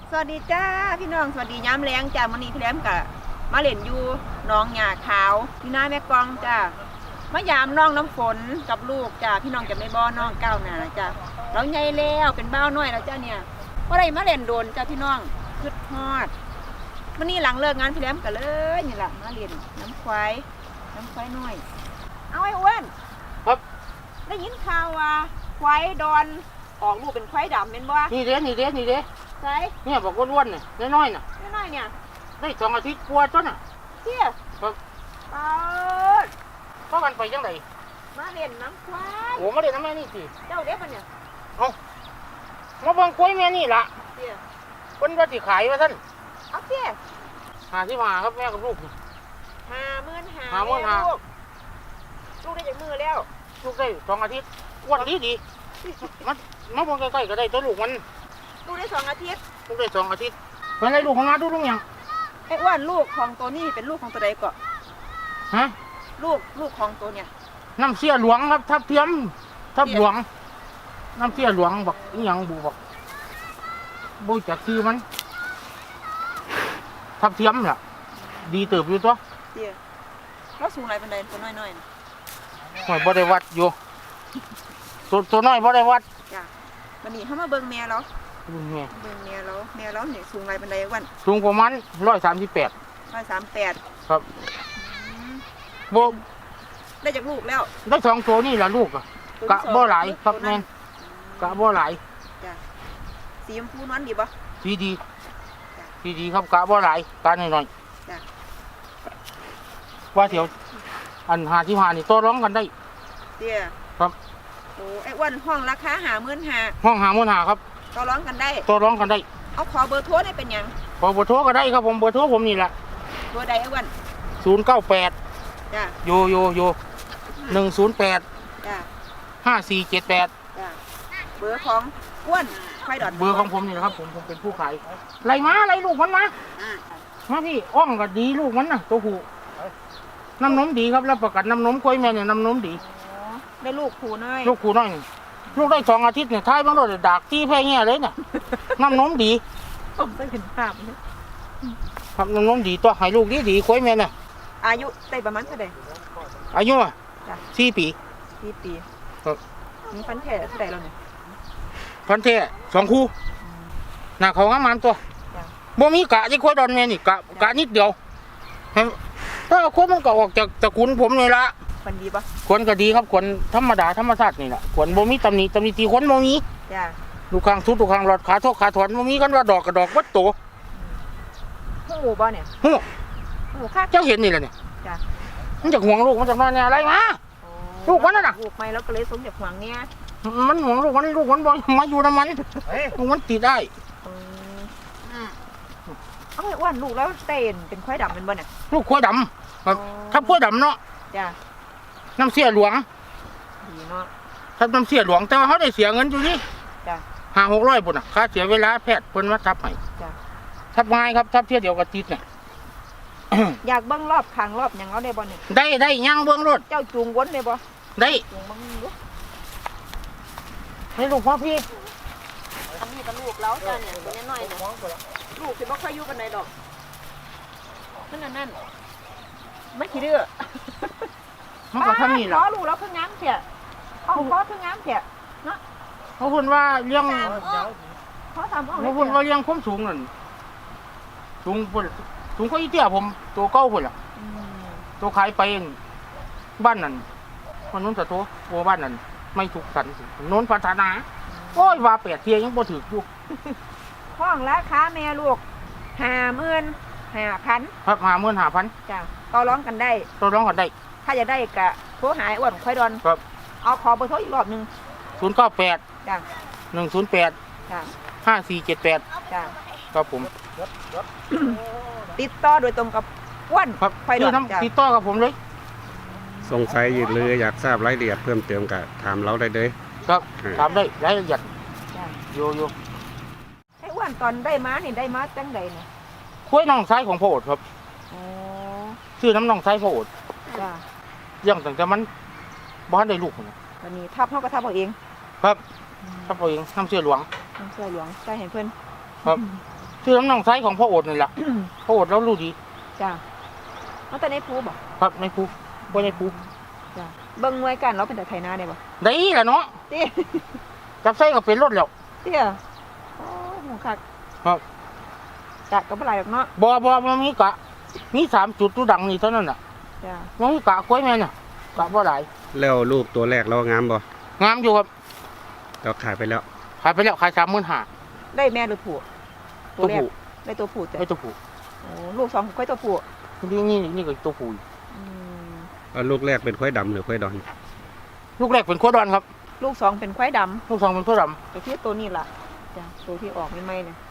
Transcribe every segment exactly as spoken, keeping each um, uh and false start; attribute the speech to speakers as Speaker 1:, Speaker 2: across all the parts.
Speaker 1: สวัสดีจ้าพี่น้องสวัสดีย้ำแรงจ้ามันนี้พี่แหลมกับมาเล่นอยู่น้องหญ้าขาวพี่น้าแม่กองจ้ามายามน้องน้ำฝนกับลูกจ้าพี่น้องจะไม่บ่อน้องก้าวหน้าจ้าเราใหญ่แล้วเป็นบ้าวน้อยแล้วจ้าเนี่ยว่าไรมาเล่นโดนจ้าพี่น้องคึดฮอดมันนี้หลังเลิกงานพี่แหลมกันเลยนี่แหละมาเล่นน้ำควายน้ำควายน้อยเอาไอ้อ้วนครับได้ยินข่าวว่าควายดอนออกลูกเป็นควายดำเป็นบ่
Speaker 2: นี่เด้นี่เด้นี่เด้
Speaker 1: ใช่
Speaker 2: เนี่ยบอกอ้วนๆเนี่ยน้อยๆน่ะ
Speaker 1: น้อยๆเนี่ย
Speaker 2: ได้สองอาทิตย์กลัวต้นน่ะ
Speaker 1: เที่ย
Speaker 2: ครับ
Speaker 1: เปิด
Speaker 2: เพราะกันไปจังได
Speaker 1: มาเล่นน้ำควาย
Speaker 2: โอ้มาเล่นน้ำแม่นี่สิ
Speaker 1: เจ้าเด็กปะเนี่ย
Speaker 2: เอามาเบิ่งกล้วยแม่นี่ล่ะ
Speaker 1: เที่ย
Speaker 2: คนว่าสิขายว่าท่าน
Speaker 1: เอาเที่ย
Speaker 2: หาที่มาครับแม่กับลูก
Speaker 1: ห้าหมื่นห้า
Speaker 2: หาหมื่นห้า
Speaker 1: ลูกลูกได้จากมือแล้ว
Speaker 2: ลูกได้สองอาทิตย์อ้วนดีดีมันมาเบิ่งใกล้ๆก็ได้ตัวลูกมัน
Speaker 1: ลูกได้สองอาทิตย์
Speaker 2: ลูกได้สองอาทิตย์เป็นไรลูกของมาดูลูกยัง
Speaker 1: ไอ้อ้วนลูกของตัวนี้เป็นลูกของตัวใดก่อน
Speaker 2: ฮะ
Speaker 1: ลูกลูกของตัวเนี่ย
Speaker 2: น้ำเสียหลวงครับทับเทียมทับหลวงน้ำเสียหลวงบอกอีหยังบูบอกบูจากคือมันทับเทียมล่ะดีเติบอยู่ตัว
Speaker 1: เดี๋ยวเราสูงอะไรเป็นใดตัวน้อยๆนะ
Speaker 2: หอยบ่ได้วัดอยู่ตัวตัวน้อยบ่ได้วัด
Speaker 1: จ้ะวันนี้เขามาเบิ่งแม่เรา
Speaker 2: เบิ่งแม่
Speaker 1: เบิ่งแม่เราแม่เราเนี่ยสูงอะไรเป็นใดวัน
Speaker 2: สูงประมาณร้อยสามสิบแปด
Speaker 1: ร้อยสามแปด
Speaker 2: ครับโบ
Speaker 1: ได้จากลูกแล้ว
Speaker 2: ได้สองตัวนี่แหละลูกอะกะบ่หลายครับแม่กะบ่หลาย
Speaker 1: จ้ะสีชมพูนวลดีป่ะ
Speaker 2: สีดีสีดีครับกะบ่หลายกะหน่อย
Speaker 1: ๆจ้ะ
Speaker 2: ว่าเถียวอันหาที่หานี่ตัวร้องกันได้
Speaker 1: เดี๋ยว
Speaker 2: ครับ
Speaker 1: โอ้ไอ้อ้วนห้องราคาหาหมื่นหา
Speaker 2: ห้องหาหมื่นหาครับ
Speaker 1: ตัวร้องกันได้
Speaker 2: ตัวร้องกันได้
Speaker 1: เอาขอเบอร์โทรได้เป็นยัง
Speaker 2: ขอเบอร์โทรก็ได้ครับผมเบอร์โทรผมนี่แหละ
Speaker 1: ตัวใดไอ้อ้วน
Speaker 2: ศูนย์เก้าแปด
Speaker 1: จ้ะ
Speaker 2: โยโยโยหนึ่งศูนย์แปด
Speaker 1: จ้ะ
Speaker 2: ห้าสี่เจ็ดแปด
Speaker 1: จ้ะเบอร์ของอ้วนไฟดอด
Speaker 2: เบอร์ของผมนี่นะครับผมผมเป็นผู้ขายไรมาไรลูกมันมามาพี่อ้อมก็ดีลูกมันน่ะตัวผู้น้ำนมดีครับรับประกันน้ำนมกล้วยแม่เนี่ยน้ำนมดี
Speaker 1: ได้ลูกผูน้อย
Speaker 2: ลูกผูน้อยลูกได้สองอาทิตย์เนี่ยท้ายมันโดนดักที่แพ้เงี้ยเลยเนี่ยน้ำนมดี
Speaker 1: ผมได้เห็นภาพนี่
Speaker 2: ครับน้ำนมดีตัวให้ลูกดีดีกล้วยแม่เนี่ย
Speaker 1: อายุได้ประมาณเท่าไหร่
Speaker 2: อายุอ่ะสี่ปี
Speaker 1: สี่ปีครับมีพันแท้เท่าไหร่เราเนี่ย
Speaker 2: พันแท้สองคู่หน้าเขางามตัวบ่มีกะที่กล้วยดอนแม่นี่กะกะนิดเดียวถ้าคนมันก็ออกจากตระกูลผมเลยละ
Speaker 1: คนดีปะ
Speaker 2: คนก็ดีครับคนธรรมดาธรรมชาตินี่แหละคนบ่มีตำหนิตำหนิตีคนบ่มี
Speaker 1: จ้ะ
Speaker 2: ลูกคางทุบลูกคางหลอดขาทกขาถอนบ่มีกันว่าดอกกับดอกวัดโต
Speaker 1: หูบ่เนี่ย
Speaker 2: หู
Speaker 1: หูค่ะ
Speaker 2: เจ้าเห็นนี่แหละเนี่ย
Speaker 1: จ้ะ
Speaker 2: มันจากห่วงลูกมันจากนอนเนี่ยอะไรมาลูกมันน่ะ
Speaker 1: ลูกไม่แล้วก็เลยสมจากห่วงเนี่ย
Speaker 2: มันห่วงลูกมันลูกมันบ่มาอยู่น้ำมันลูกมันติดได้
Speaker 1: เอาไอ้อ้วนลูกแล้วเต้นเป็นควายดำเป็นบ่เนี่ย
Speaker 2: ลูกควายดำถ้าควายดำเนาะ
Speaker 1: จ้ะ
Speaker 2: น้ำเสียหลวง
Speaker 1: ดีเนาะ
Speaker 2: ถ้าน้ำเสียหลวงแต่ว่าเขาได้เสียเงินอยู่นี่
Speaker 1: จ้ะ
Speaker 2: ห้าหกร้อยปุ่นอ่ะค่าเสียเวลาแพทย์เพิ่นมาทับให้
Speaker 1: จ้ะ
Speaker 2: ทับง่ายครับทับเที่ยวเดียวกับติดเนี่ย
Speaker 1: อยากเบิ้งรอบคางรอบอย่างเราได้บ่เนี่ย
Speaker 2: ได้ได้ย่างเบิ้งรถ
Speaker 1: เจ้าจูงวนได้บ่
Speaker 2: ได้
Speaker 1: จูงบังลูก
Speaker 2: ให้ลูกพ่อพี่
Speaker 1: อันนี้เป็นลูกแล้วจ้ะเนี่ยตัวน้อยๆลูกสิบ่ค่อยอยู่กันไหนดอกนั่นนั่นไม่ขี้ดื้อ
Speaker 2: มันก็ทำนี่แหละ
Speaker 1: ขอลูกแล้วเพิ่งง้างเสียเอาขอเพิ่งง้างเสียเนาะ
Speaker 2: เขาพูดว่าเลี้ยง
Speaker 1: เขาทำ
Speaker 2: เขาพูดว่าเลี้ยงความสูงนั่นสูงพุ่นสูงก็อีเตี้ยผมตัวเก้าพุ่นล่ะตัวขายไปบ้านนั่นคนนู้นแต่ตัวโอ้บ้านนั่นไม่ถูกสันโน้นพัฒนาโอ้ยว่าแปดเทียยังบ่ถืออยู่
Speaker 1: ห้องราคาแม่ลูกห้าหมื่นห้าพัน
Speaker 2: ครับห้าหมื่นห้าพัน
Speaker 1: จ้ะต่อร้องกันได้
Speaker 2: ต่อร้องกันได้
Speaker 1: ถ้าจะได้กะโทรหาอ้วนควายดอน
Speaker 2: ครับ
Speaker 1: เอาขอเบอร์โทรอีกรอบหนึ่ง
Speaker 2: ศูนย์เก้าแปด
Speaker 1: จ้ะ
Speaker 2: หนึ่งศูนย์แปด
Speaker 1: จ้ะ
Speaker 2: ห้าสี่เจ็ดแปด
Speaker 1: จ้ะ
Speaker 2: ครับผม
Speaker 1: ติดต่อโดยตรงกับอ้วน
Speaker 2: ควายดอนจ้ะติดต่อกับผมเลย
Speaker 3: สงสัยหรืออยากทราบรายละเอียดเพิ่มเติมก็ถามเราได้เลย
Speaker 2: ครับถามได้รายละเอียดโยโย่
Speaker 1: ไอ้อ้วนตอนได้มานี่ได้มาจังใดเนี่ย
Speaker 2: คุ้ยน้องไซของพ่อโอดครับชื่อน้ำน้องไซพ่อโอด
Speaker 1: จ้ะ
Speaker 2: ยังตั้งแต่มันบ้านได้ลูกนะ
Speaker 1: วันนี้ทับเขาก็ทับเอาเอง
Speaker 2: ครับทับเอาเองน้ำเชื่อหลวง
Speaker 1: น้ำเชื่อหลวงใจเห็นเพื่อน
Speaker 2: ครับชื่อน้ำน้องไซของพ่อโอดนี่แหละ พ่อโอดแล้วรู้ดี
Speaker 1: จ้ะมันแต่ในภูบ่
Speaker 2: ครับในภูบ่ในภู
Speaker 1: จ้ะเบิ่งไว้กันเราเป็นแต่ไถนาได้บ่
Speaker 2: ได้ล่ะเนาะ
Speaker 1: เตี้ย
Speaker 2: จับไส้ก็เป็นรถแล้ว
Speaker 1: เตี้ยโอ้หูคัก
Speaker 2: ครับ
Speaker 1: กะก็บ่หลายดอกเนาะ
Speaker 2: บ่บ่มันมีกะมีสามจุดตัวดังนี่เท่านั้นน่ะ
Speaker 1: จ้ะ
Speaker 2: มันมีกะกล้วยแม่น่ะกะบ่หลาย
Speaker 3: แล้วลูกตัวแรกเรางามบ่
Speaker 2: งามอยู่ครับ
Speaker 3: เราขายไปแล้ว
Speaker 2: ขายไปแล้วขายสามหมื่นห้า
Speaker 1: ได้แม่หรือผู้
Speaker 2: ตัว
Speaker 1: แรก
Speaker 2: ผู้
Speaker 1: ได้ตัวผู้จ้ะ
Speaker 2: ไอ้ตัวผู้
Speaker 1: โอ้ลูกสองค่อยตัวผู้
Speaker 2: นี่นี่นี่ก็ตัวผู้
Speaker 1: อืม
Speaker 3: เอาลูกแรกเป็นควายดำหรือควายดอน
Speaker 2: ลูกแรกเป็นขั้วดอนครับ
Speaker 1: ลูกสองเป็นควายดำ
Speaker 2: ลูกสองเป็นขั้วด
Speaker 1: ตัวที่ตัวนี้ล่ะจ้ะตัวที่ออกใหม่ๆเนี่ย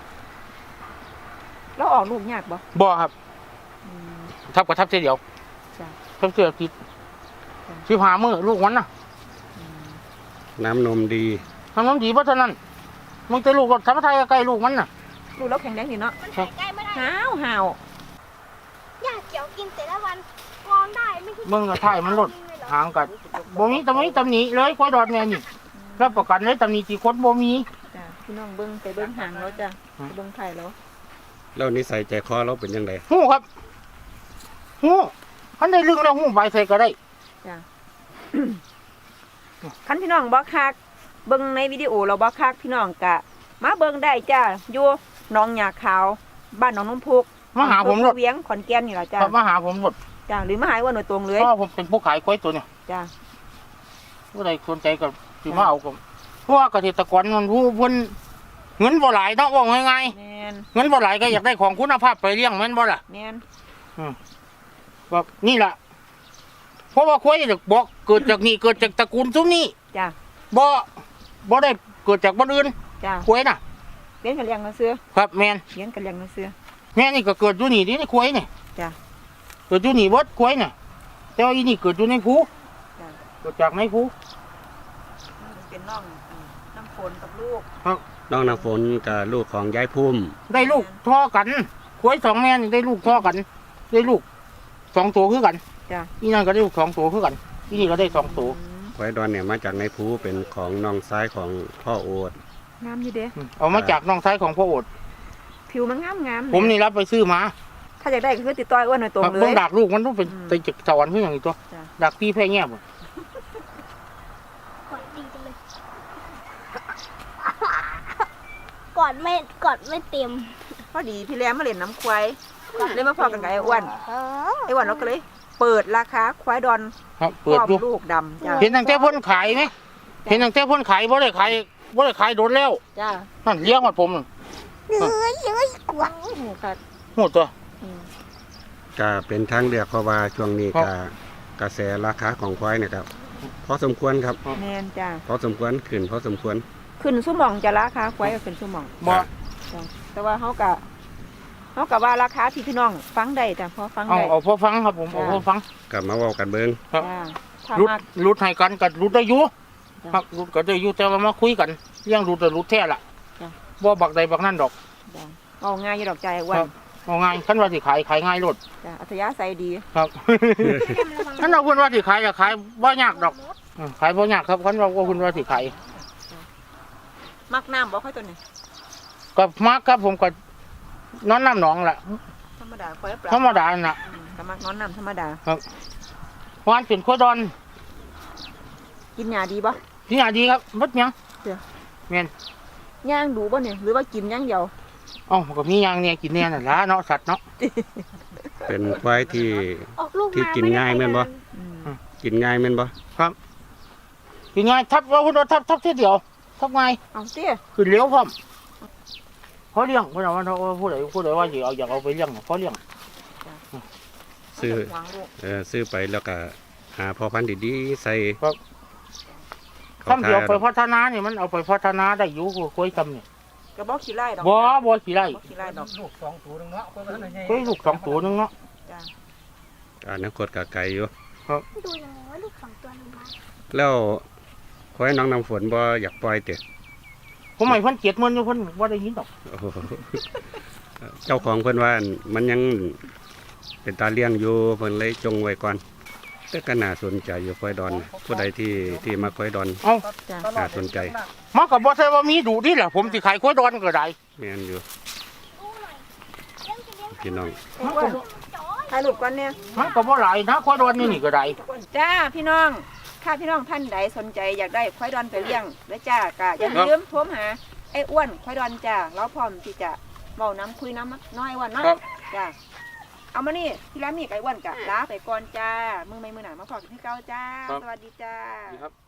Speaker 1: แล้วออกลูกยากบ่
Speaker 2: ำบ่ครับ
Speaker 1: อืม
Speaker 2: ทับกับทับเสียเดียว
Speaker 1: จ้ะ
Speaker 2: ทับเสียผิด
Speaker 1: จ้ะ
Speaker 2: สิบห้ามื้อลูกมันน่ะ
Speaker 1: อืม
Speaker 3: น้ำนมดี
Speaker 2: ทำน้ำดีเพราะฉะนั้นมันจะลูกก็ทำไทยใกล้ลูกมันน่ะ
Speaker 1: ลูกแล้วแข็งแรงดีเนาะ
Speaker 4: มันหายใกล้ไม่ได้
Speaker 1: หาวหาว
Speaker 4: หญ้าเขียวกินแต่ละวันกองได้ไม่คิด
Speaker 2: เบิ่งก็ถ่ายมันลดห่างกันบ่มีตำหนิตำหนิเลยควายดอนแม่นี่รับประกันเลยตำหนิที่คนบ่มี
Speaker 1: จ้ะพี่น้องเบิ้งไปเบิ้งหางแล้วจ้ะ
Speaker 2: อืม
Speaker 1: ไปเบิ้งไข่แล้ว
Speaker 3: แล้วนิสัยใจคอเราเป็นยังไง
Speaker 2: ฮู้ครับฮู้คันได้ลึกแล้วฮู้ใบใส่ก็ได้
Speaker 1: จ้ะ คันพี่น้องบ่คักเบิ้งในวิดีโอเราบ่คักพี่น้องกะ มาเบิ้งได้จ้ะอยู่หนองหญ้าขาวบ้านหนองน้ำพุก
Speaker 2: มาหาผมร
Speaker 1: ร
Speaker 2: ถ
Speaker 1: เวียงขอนแก่นนี่ล่ะจ้ะ
Speaker 2: ครับมาหาผมรถ
Speaker 1: จ้ะหรือมาหาว่าหน่วยตรงเลย
Speaker 2: เพราะผมเป็นผู้ขายควายตัวเนี่ย
Speaker 1: จ้ะ
Speaker 2: ผู้ใดสนใจก็สิมาเอาก็เพราะว่าเกษตรกรมันผู้เพิ่นเงินบ่หลายเนาะว่าง่าย
Speaker 1: แมน
Speaker 2: ๆเงินบ่หลายก็อยากได้ของคุณภาพไปเลี้ยงแม่นบ่ล่ะ
Speaker 1: แมน
Speaker 2: แบบนี่ล่ะเพราะว่าควายเนี่ยบอกเกิดจากนี่เกิดจากตระกูลซุ้มนี้
Speaker 1: จ้ะ
Speaker 2: บ่บ่ได้เกิดจากบ้านอื่น
Speaker 1: จ้ะ
Speaker 2: ควายน่ะ
Speaker 1: เลี้ยงกันเลี้ยงกันเสื้อ
Speaker 2: ครับแม่น
Speaker 1: เลี้ยงกันเลี้ยงกันเสื้อ
Speaker 2: แม่นี่ก็เกิดอยู่นี่นี่ในควายนี่
Speaker 1: จ้ะ
Speaker 2: เกิดอยู่นี่เบิดควายน่ะแต่ว่าอีนี่เกิดอยู่ในภู
Speaker 1: จ้ะ
Speaker 2: เกิดจากในภู
Speaker 1: เป็นน้องอืมน้ำฝนกับลูก
Speaker 3: น้องน้ำฝนกับลูกของยายพุ่ม
Speaker 2: ได้ลูกท่อกันควายสองแม่นี่ได้ลูกท่อกัน ได้ลูกสองตัวคือกัน
Speaker 1: จ้ะ
Speaker 2: อีนั่นก็ได้ลูกสองตัวคือกันอีนี่ก็ได้สองตัว
Speaker 1: อืม
Speaker 3: ควายดอนเนี่ยมาจากในภูเป็นของน้องซ้ายของพ่อโอด
Speaker 1: งามอยู่เด้
Speaker 2: เอามาจากน้องชายของพ่อโอด
Speaker 1: ผิวมันงามงาม
Speaker 2: ผมนี่รับไปซื้อมา
Speaker 1: ถ้าอยากได้ก็คือติดต่อไอ้อ้วนหน่อยตรงเล
Speaker 2: เบิ่ง
Speaker 1: ย
Speaker 2: ดักลูกมันต้องเป็น
Speaker 1: อืม
Speaker 2: ไปจากสวรรค์เพื่ออย่างนี้ตัว
Speaker 1: จ้ะ
Speaker 2: ดักพี่แพ้แง่บ่
Speaker 4: กอดดีจังเลยกอดไม่กอดไม่เต็ม
Speaker 1: พอดีพี่แรมมาเล่นน้ำควายเลยมาพอกันกับไอ้อ้วน
Speaker 4: เออ
Speaker 1: ไอ้อ้วนเราก็เลย เปิดราคาควายดอน
Speaker 2: ครับเปิด
Speaker 1: ครอบ
Speaker 2: อยู่
Speaker 1: ลูกดำจ้ะ
Speaker 2: เห็นตั้งแต่เพ่นขายไหมเห็นตั้งแต่เพ่นขายบ่ได้ขายบ่ได้ขายโดนแล้ว
Speaker 1: จ้ะ
Speaker 2: นั่นเลี้ยงหมดผมนั่น
Speaker 4: เอ้ยเอ้ยกลัว
Speaker 1: โอ้โหกัด
Speaker 2: หมดตัว
Speaker 1: อืม
Speaker 3: ก็เป็นทางเลือกเพราะว่าช่วงนี้
Speaker 2: ครั
Speaker 3: ก็
Speaker 2: บ
Speaker 3: กระแสราคาของควายเนี่ยครับพอสมควรครับ
Speaker 1: แมนจ้ะ
Speaker 3: พอสมควรขึ้นพอสมควร
Speaker 1: ขึ้นสุ่มองจะราคาควายก็ขึ้นสุ่มอง
Speaker 2: บ่
Speaker 1: จ้ะแต่ว่าเขากะเขากะว่าราคาที่พี่น้องฟังได้จ้ะพอฟัง
Speaker 2: เอา
Speaker 1: ได้
Speaker 2: เอาพอฟังครับผมเอาพอฟัง
Speaker 3: กลับมาเว้ากันเบิ่ง
Speaker 2: ครับ
Speaker 1: จ้ะถ้า
Speaker 2: รุด
Speaker 1: มาก
Speaker 2: รุดให้กันกับรุดได้อยู่
Speaker 1: จ้ะ
Speaker 2: ครับรุดก็ได้อยู่แต่ว่ามาคุยกันเรื่องรุดแต่รุดแท้ล่ะ
Speaker 1: จ้ะ
Speaker 2: บ่บักใดบักนั่นดอก
Speaker 1: จ้ะเอาง่ายอยู่ดอกใจอ้ว
Speaker 2: ครั
Speaker 1: น
Speaker 2: บ เอาง่ายคันว่าสิขายขายง่ายโลด
Speaker 1: จ้ะอัธยาศัยดี
Speaker 2: ครับ คันเราพูดว่าสิขายก็ขายบ่ยากดอกอืมขายบ่ยากครับคันเราก็พูดว่าสิขาย
Speaker 1: มักน้ำบ่ค่อยตัวนี้
Speaker 2: ก็มักครับผมก็นอนน้ำหนองล่ะ
Speaker 1: ธรรมดาควายปลา
Speaker 2: ธรรมดาน่ะ
Speaker 1: อืมก็มักนอนน้ำธรรมดา
Speaker 2: วานเป็นขั้วดอน
Speaker 1: กินหญ้าดีบ่
Speaker 2: ที่หาดีครับบัดหยัง
Speaker 1: เดี๋ยว
Speaker 2: แม่น
Speaker 1: ย่างดูบ่เนี่ยหรือว่ากินอย่างเดียว
Speaker 2: เอ้าก็มีอย่างเนี่ยกินเนี่ยนั่นล่ะเนาะสัตว์เนาะ
Speaker 3: เป็นควายที่
Speaker 4: ออกลูก
Speaker 3: ที่
Speaker 4: มา
Speaker 3: กินง่ายแม่นบ่
Speaker 1: อืม
Speaker 3: กินง่ายแม่นบ่
Speaker 2: กินง่ายทับว่าคุณว่าทับทับทีเดียวทับง่าย
Speaker 1: เอาสิ
Speaker 2: ขึ้นเลี้ยวพร้อมพอเลี้ยงเพิ่นว่าว่าผู้ใดผู้ใดว่าสิเอาอยากเอาไปเลี้ยงพอเลี้ยง
Speaker 3: ซื้อ
Speaker 1: วางลูก
Speaker 3: เออซื้อไปแล้วก็หาพ่อพันธุ์ดีๆใส่
Speaker 2: คำเดียวไปพัฒนานี่มันเอาไปพัฒนาได้อยู่กล้วยคำนี่
Speaker 1: ก็บ่ขี้ไล่ดอก
Speaker 2: บ่บ่ขี้ไร่
Speaker 1: บ่ขี้ไล่ดอก
Speaker 2: ลูกสองตัวนึงเนาะกล้วยลูกสองตัวนึงเนาะ
Speaker 1: จ้ะ
Speaker 3: อนาคตก็ไกลอยู่
Speaker 4: ดูยังไงว่าลูกสองตัวนึงมา
Speaker 3: แล้วควายน้องน้ำฝนบ่อยากปล่อยเตะ
Speaker 2: ผมให้เพิ่นเจ็ดหมื่นอยู่เพิ่นบ่ได้ยินดอก
Speaker 3: โอ้โหเจ้าของเพิ่นว่ามันยังเป็นตาเลี้ยงอยู่เพิ่นเลยจงไว้ก่อนแต่ก็น่าสนใจอยู่ควายดอนผู้ใดที่ที่มาควายดอน
Speaker 2: เอ้า
Speaker 1: จ้ะ
Speaker 3: น่าสนใจ
Speaker 2: มันก็บ่ใช่ว่ามีดุนี่แหละผมสิขายกล้วยดอนก็ได้
Speaker 3: แม่นอยู่พี่น้อง
Speaker 2: มันก็บ่
Speaker 1: ถ่ายรูปก่อนเนี่ย
Speaker 2: มันก็บ่หลายนะควายดอนนี่นี่ก็ได้
Speaker 1: จ้าพี่น้องถ้าพี่น้องท่านใดสนใจอยากได้ควายดอนไปเลี้ยงแล้วจ้าก็อย่าลืมโทรหาไอ้อ้วนควายดอนจ้าเราพร้อมที่จะเว้าน้ำคุยน้ำน้อยอ้วนเนาะ
Speaker 2: ครับ
Speaker 1: จ้าเอามานี่พี่แล้วมีไก่อ้วนกะลาไปก่อนจ้ามือไม่มือหนามาพอกันที่เก้าจ้า สวัสดีจ้า
Speaker 2: ครับ